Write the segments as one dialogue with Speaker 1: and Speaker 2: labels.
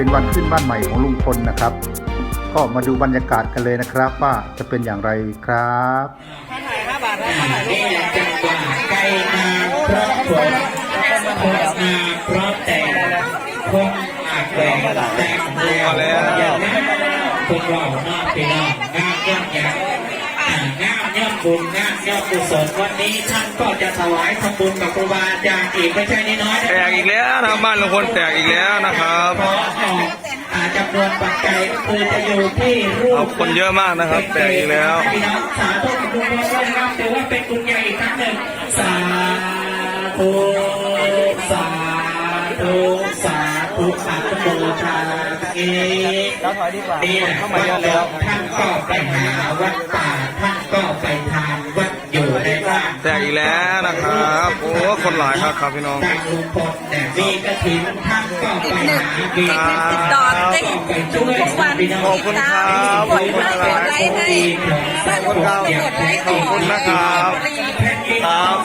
Speaker 1: เป็นวันขึ้นบ้านใหม่ของลุงพลนะครับก็มาดูบรรยากาศกันเลยนะครับว่าจะเป็นอย่างไรครับ
Speaker 2: นี่แหละจังหวะไก่นาเพราะฝนคนนาเพราะแต่คนอาจแหวกแต่งแล้วอย่างนั้นคนเราหน้าไปน้องงามย่ำยักงามย่ำบุญงามย่ำกุศลวันนี้ท่านก็จะถวายทำบุญกับครูบาอาจารย์อีกไม่ใช่น้อยๆ
Speaker 3: แตกอีกแล้วนะบ้านลุงพลแตกอีกแล้วนะครับ
Speaker 2: เพราะจำนวนปัจจัยคือจะอยู่ที่รูป
Speaker 3: คนเยอะมากนะครับแตกอีกแล้ว
Speaker 2: พี่น้องสาธุกับคุณพ่อด้วยนะครับถือว่าเป็นบุญใหญ่อีกครั้งหนึ่งสาธุสาธุสาธุสาธุโมทาเอนี่แหละเข้ามาแล้วท่านก็ไปหาวัดป่าท่านก็ไปทานวัดอยู่ในบ้าน
Speaker 3: แตกอีกแล้วนะครับโอ้คนหลายครับพี่น้อง
Speaker 2: ทางลุงพลแต่มีกระถิ่นท่านก็ไปหา
Speaker 4: ติดต่อได้ทุกวัน
Speaker 3: ขอบคุณครับ
Speaker 4: กดไลค์ให้
Speaker 3: ขอบคุณครับขอบคุณนะครับครับ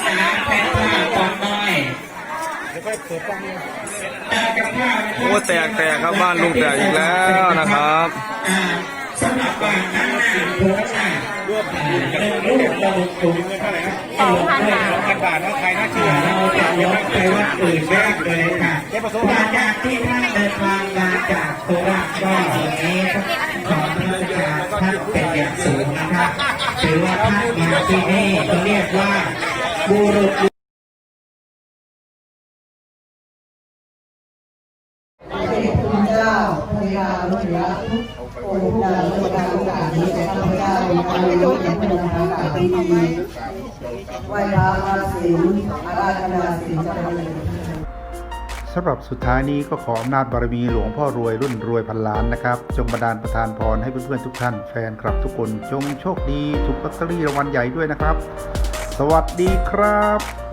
Speaker 3: โอ้แตกครับบ้านลุงแตกอีกแล้วนะครับ
Speaker 2: สำหรับบ้านนั้นโพสต์รูประบุถุงเท่าไหร่ครับ2,000 บาทนะใครน่าเชื่อเราจะยกไปวัดอื่นแรกเลยค่ะมาจากที่ท่านเดินทางมาจากโคราชก็วันนี้ขอพระอาจารย์ท่านเป็นอย่างสูงนะครับถือว่าท่านมาที่นี่ก็เรียกว่าบุรุษ
Speaker 5: คุณเจ้าพระยาลุยะองค์ดาวโลกาโอกาสนี้แต่ข้าพเจ้าการรู้อย่างเป็นทางการที่ดีไหว้พระอาศีลอาราธนาศีลเจริญ
Speaker 1: สำหรับสุดท้ายนี้ก็ขออำนาจบารมีหลวงพ่อรวยรุ่นรวยพันล้านนะครับจงบันดาลประทานพรให้เพื่อนๆทุกท่านแฟนคลับทุกคนจงโชคดีถูกลอตเตอรี่รางวัลใหญ่ด้วยนะครับสวัสดีครับ